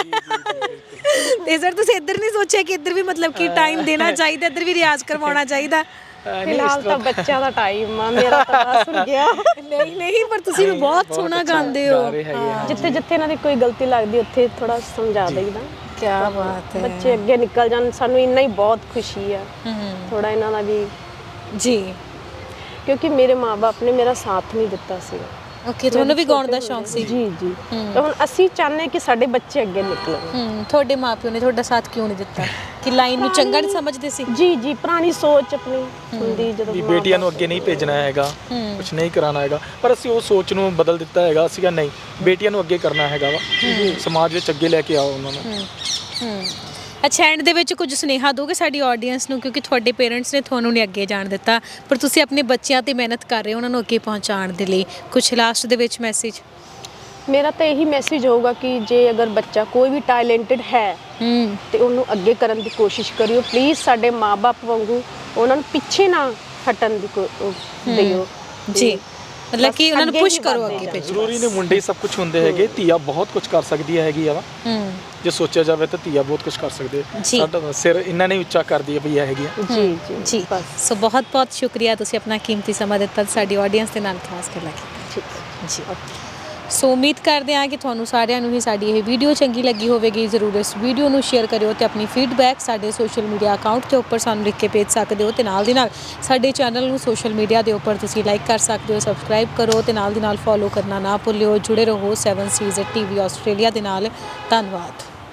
ਤੇ ਸਰ, ਤੁਸੀਂ ਇੱਧਰ ਨਹੀਂ ਸੋਚਿਆ ਕਿ ਇੱਧਰ ਵੀ ਮਤਲਬ ਕਿ ਟਾਈਮ ਦੇਣਾ ਚਾਹੀਦਾ, ਇੱਧਰ ਵੀ ਰਿਆਜ਼ ਕਰਵਾਉਣਾ ਚਾਹੀਦਾ?
ਫਿਲਹਾਲ ਤਾਂ ਬੱਚਿਆਂ ਦਾ ਟਾਈਮ ਆ, ਮੇਰਾ ਤਾਂ ਬਸ ਹੋ ਗਿਆ।
ਨਹੀਂ ਨਹੀਂ, ਪਰ ਤੁਸੀਂ ਵੀ ਬਹੁਤ ਸੋਹਣਾ ਗਾਉਂਦੇ ਹੋ।
ਜਿੱਥੇ ਜਿੱਥੇ ਇਹਨਾਂ ਦੀ ਕੋਈ ਗਲਤੀ ਲੱਗਦੀ ਉੱਥੇ ਥੋੜਾ ਸਮਝਾ ਦੇਈਦਾ।
ਕੀ ਬਾਤ ਹੈ।
ਬੱਚੇ ਅੱਗੇ ਨਿਕਲ ਜਾਣ, ਸਾਨੂੰ ਇੰਨਾ ਹੀ ਬਹੁਤ ਖੁਸ਼ੀ ਆ। ਥੋੜਾ ਇਹਨਾਂ ਦਾ ਵੀ
ਜੀ,
ਕਿਉਂਕਿ ਮੇਰੇ ਮਾਪੇ ਨੇ ਮੇਰਾ ਸਾਥ ਨਹੀਂ ਦਿੱਤਾ ਸੀ।
ਓਕੇ, ਤੁਹਾਨੂੰ ਵੀ ਗਾਉਣ ਦਾ ਸ਼ੌਂਕ ਸੀ?
ਜੀ ਜੀ। ਤਾਂ ਹੁਣ ਅਸੀਂ ਚਾਹੁੰਦੇ ਕਿ ਸਾਡੇ ਬੱਚੇ ਅੱਗੇ ਨਿਕਲਣ।
ਤੁਹਾਡੇ ਮਾਪਿਓ ਨੇ ਤੁਹਾਡਾ ਸਾਥ ਕਿਉਂ ਨਹੀਂ ਦਿੱਤਾ? ਕਿ ਲਾਈਨ ਨੂੰ ਚੰਗਾ ਨਹੀਂ ਸਮਝਦੇ ਸੀ?
ਜੀ ਜੀ, ਪੁਰਾਣੀ ਸੋਚ ਆਪਣੀ ਹੁੰਦੀ ਜਦੋਂ
ਵੀ ਬੇਟੀਆਂ ਨੂੰ ਅੱਗੇ ਨਹੀਂ ਭੇਜਣਾ ਹੈਗਾ, ਕੁਝ ਨਹੀਂ ਕਰਾਉਣਾ ਹੈਗਾ। ਪਰ ਅਸੀਂ ਉਹ ਸੋਚ ਨੂੰ ਬਦਲ ਦਿੱਤਾ ਹੈਗਾ। ਅਸੀਂ ਕਿਹਾ ਨਹੀਂ, ਬੇਟੀਆਂ ਨੂੰ ਅੱਗੇ ਕਰਨਾ ਹੈਗਾ ਵਾ, ਸਮਾਜ ਵਿੱਚ ਅੱਗੇ ਲੈ ਕੇ ਆਓ ਉਹਨਾਂ ਨੂੰ।
ਅੱਛਾ, ਐਂਡ ਦੇ ਵਿੱਚ ਕੁਝ ਸੁਨੇਹਾ ਦੋਗੇ ਸਾਡੀ ਆਡੀਅנס ਨੂੰ, ਕਿਉਂਕਿ ਤੁਹਾਡੇ ਪੇਰੈਂਟਸ ਨੇ ਤੁਹਾਨੂੰ ਨਹੀਂ ਅੱਗੇ ਜਾਣ ਦਿੱਤਾ, ਪਰ ਤੁਸੀਂ ਆਪਣੇ ਬੱਚਿਆਂ ਤੇ ਮਿਹਨਤ ਕਰ ਰਹੇ ਹੋ ਉਹਨਾਂ ਨੂੰ ਅੱਗੇ ਪਹੁੰਚਾਉਣ ਦੇ ਲਈ। ਕੁਝ ਲਾਸਟ ਦੇ ਵਿੱਚ ਮੈਸੇਜ?
ਮੇਰਾ ਤਾਂ ਇਹੀ ਮੈਸੇਜ ਹੋਊਗਾ ਕਿ ਜੇ ਅਗਰ ਬੱਚਾ ਕੋਈ ਵੀ ਟੈਲੈਂਟਡ ਹੈ ਤੇ ਉਹਨੂੰ ਅੱਗੇ ਕਰਨ ਦੀ ਕੋਸ਼ਿਸ਼ ਕਰਿਓ ਪਲੀਜ਼। ਸਾਡੇ ਮਾਪੇ ਵਾਂਗੂ ਉਹਨਾਂ ਨੂੰ ਪਿੱਛੇ ਨਾ ਹਟਣ ਦੀ ਦਿਓ
ਜੀ, ਮਤਲਬ ਕਿ ਉਹਨਾਂ ਨੂੰ ਪੁਸ਼ ਕਰੋ ਅੱਗੇ ਭੇਜੋ।
ਜ਼ਰੂਰੀ ਨਹੀਂ ਮੁੰਡੇ ਸਭ ਕੁਝ ਹੁੰਦੇ ਹੈਗੇ, ਧੀਆ ਬਹੁਤ ਕੁਝ ਕਰ ਸਕਦੀ ਹੈਗੀ ਆ। ਜੇ ਸੋਚਿਆ ਜਾਵੇ ਤਾਂ ਧੀਆ ਬਹੁਤ ਕੁਝ ਕਰ ਸਕਦੇ। ਸਾਡਾ ਸਿਰ ਇਹਨਾਂ ਨੇ ਉੱਚਾ ਕਰ ਦਿਆ ਭਈਆ ਹੈਗੀ ਆ।
ਜੀ ਜੀ
ਜੀ, ਸੋ ਬਹੁਤ ਬਹੁਤ ਸ਼ੁਕਰੀਆ, ਤੁਸੀਂ ਆਪਣਾ ਕੀਮਤੀ ਸਮਾਂ ਦਿੱਤਾ ਸਾਡੀ ਆਡੀਅנס ਦੇ ਨਾਲ ਖਾਸ ਕਰ ਲੱਗੀ ਜੀ। ਸੋ ਉਮੀਦ ਕਰਦੇ ਹਾਂ ਕਿ ਤੁਹਾਨੂੰ ਸਾਰਿਆਂ ਨੂੰ ਹੀ ਸਾਡੀ ਇਹ ਵੀਡੀਓ ਚੰਗੀ ਲੱਗੀ ਹੋਵੇਗੀ। ਜ਼ਰੂਰ ਇਸ ਵੀਡੀਓ ਨੂੰ ਸ਼ੇਅਰ ਕਰਿਓ ਤੇ ਆਪਣੀ ਫੀਡਬੈਕ ਸਾਡੇ ਸੋਸ਼ਲ ਮੀਡੀਆ ਅਕਾਊਂਟ ਦੇ ਉੱਪਰ ਸਾਨੂੰ ਲਿਖ ਕੇ ਭੇਜ ਸਕਦੇ ਹੋ, ਤੇ ਨਾਲ ਦੀ ਨਾਲ ਸਾਡੇ ਚੈਨਲ ਨੂੰ ਸੋਸ਼ਲ ਮੀਡੀਆ ਦੇ ਉੱਪਰ ਤੁਸੀਂ ਲਾਈਕ ਕਰ ਸਕਦੇ ਹੋ, ਸਬਸਕ੍ਰਾਈਬ ਕਰੋ ਤੇ ਨਾਲ ਦੀ ਨਾਲ ਫੋਲੋ ਕਰਨਾ ਨਾ ਭੁੱਲਿਓ। ਜੁੜੇ ਰਹੋ 7 ਸੀਜ਼ TV ਆਸਟ੍ਰੇਲੀਆ ਦੇ ਨਾਲ। ਧੰਨਵਾਦ।